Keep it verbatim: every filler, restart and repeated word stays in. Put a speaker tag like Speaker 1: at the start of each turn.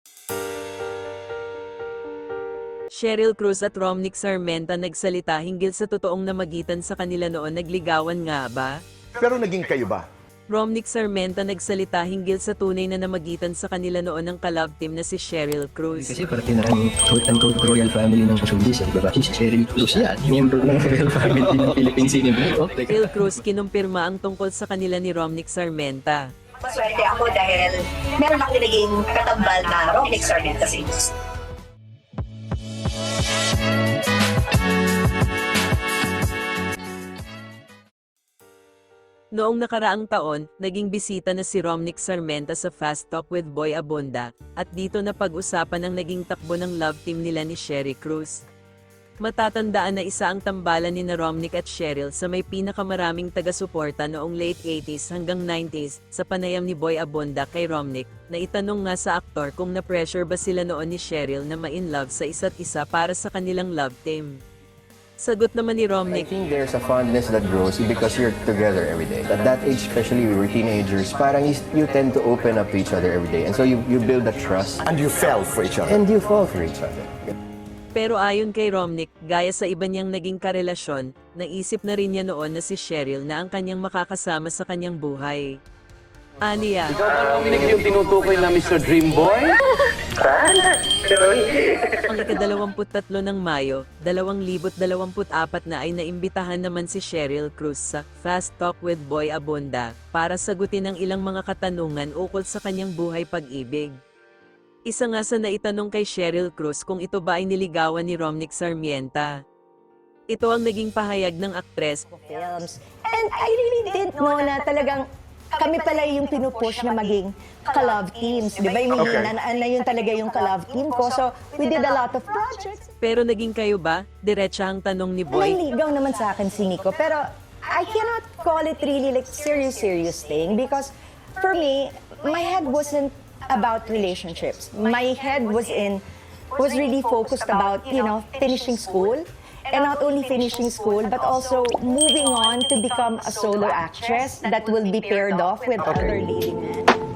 Speaker 1: Cheryl Cruz at Romnick Sarmenta nagsalita hinggil sa totoong namagitan sa kanila noon. Nagligawan nga ba?
Speaker 2: Pero naging kayo ba?
Speaker 1: Romnick Sarmenta nagsalita hinggil sa tunay na namagitan sa kanila noon ng kalab team na si Cheryl Cruz.
Speaker 3: Kasi parte na rin quote-unquote royal family ng showbiz. Diba? Si Cheryl Cruz yan, member ng royal family ng Philippine Cinema. Okay.
Speaker 1: Cheryl Cruz kinumpirma ang tungkol sa kanila ni Romnick Sarmenta.
Speaker 4: Maswerte ako dahil meron ako naging katambal na Romnick Sarmenta sa industry.
Speaker 1: Noong nakaraang taon, naging bisita na si Romnick Sarmenta sa Fast Talk with Boy Abunda, at dito na pag-usapan ang naging takbo ng love team nila ni Cheryl Cruz. Matatandaan na isa ang tambalan ni na Romnick at Cheryl sa may pinakamaraming taga-suporta noong late eighties hanggang nineties sa panayam ni Boy Abunda kay Romnick, na itanong nga sa aktor kung na-pressure ba sila noon ni Cheryl na ma-in-love sa isa't isa para sa kanilang love team. Sagot naman ni
Speaker 5: I
Speaker 1: Romnick,
Speaker 5: think there's a fondness that grows because you're together every day. At that age, especially we were teenagers, parang you, you tend to open up to each other every day. And so you, you build that trust
Speaker 2: And you fell for each other.
Speaker 5: and you fall for each other.
Speaker 1: pero ayon kay Romnick, gaya sa iba niyang naging karelasyon, naisip na rin niya noon na si Cheryl na ang kanyang makakasama sa kanyang buhay. Aniya,
Speaker 6: Ikaw ba, Romnick, yung tinutukoy na Mister Dream Boy?
Speaker 1: ang ikadalawamput tatlo ng Mayo, dalawang libo't dalawamput apat na ay naimbitahan naman si Cheryl Cruz sa Fast Talk with Boy Abunda para sagutin ang ilang mga katanungan ukol sa kanyang buhay pag-ibig. Isa nga sa naitanong kay Cheryl Cruz kung ito ba ay niligawan ni Romnick Sarmienta. Ito ang naging pahayag ng aktres.
Speaker 7: Films. And I really didn't know na talagang kami pala yung pinupush na maging ka-love teams. Di ba? Yung
Speaker 2: Okay.
Speaker 7: na, na, na yun talaga yung ka-love team ko. So, we did a lot of projects.
Speaker 1: Pero naging kayo ba? Diretsa ang tanong ni Boy.
Speaker 7: Nanligaw naman sa akin si Nico. Pero I cannot call it really like serious, serious thing because for me, my head wasn't about relationships. My head was in, was really focused about, you know, finishing school. And not only finishing school, but also moving on to become a solo actress that will be paired off with other leading men.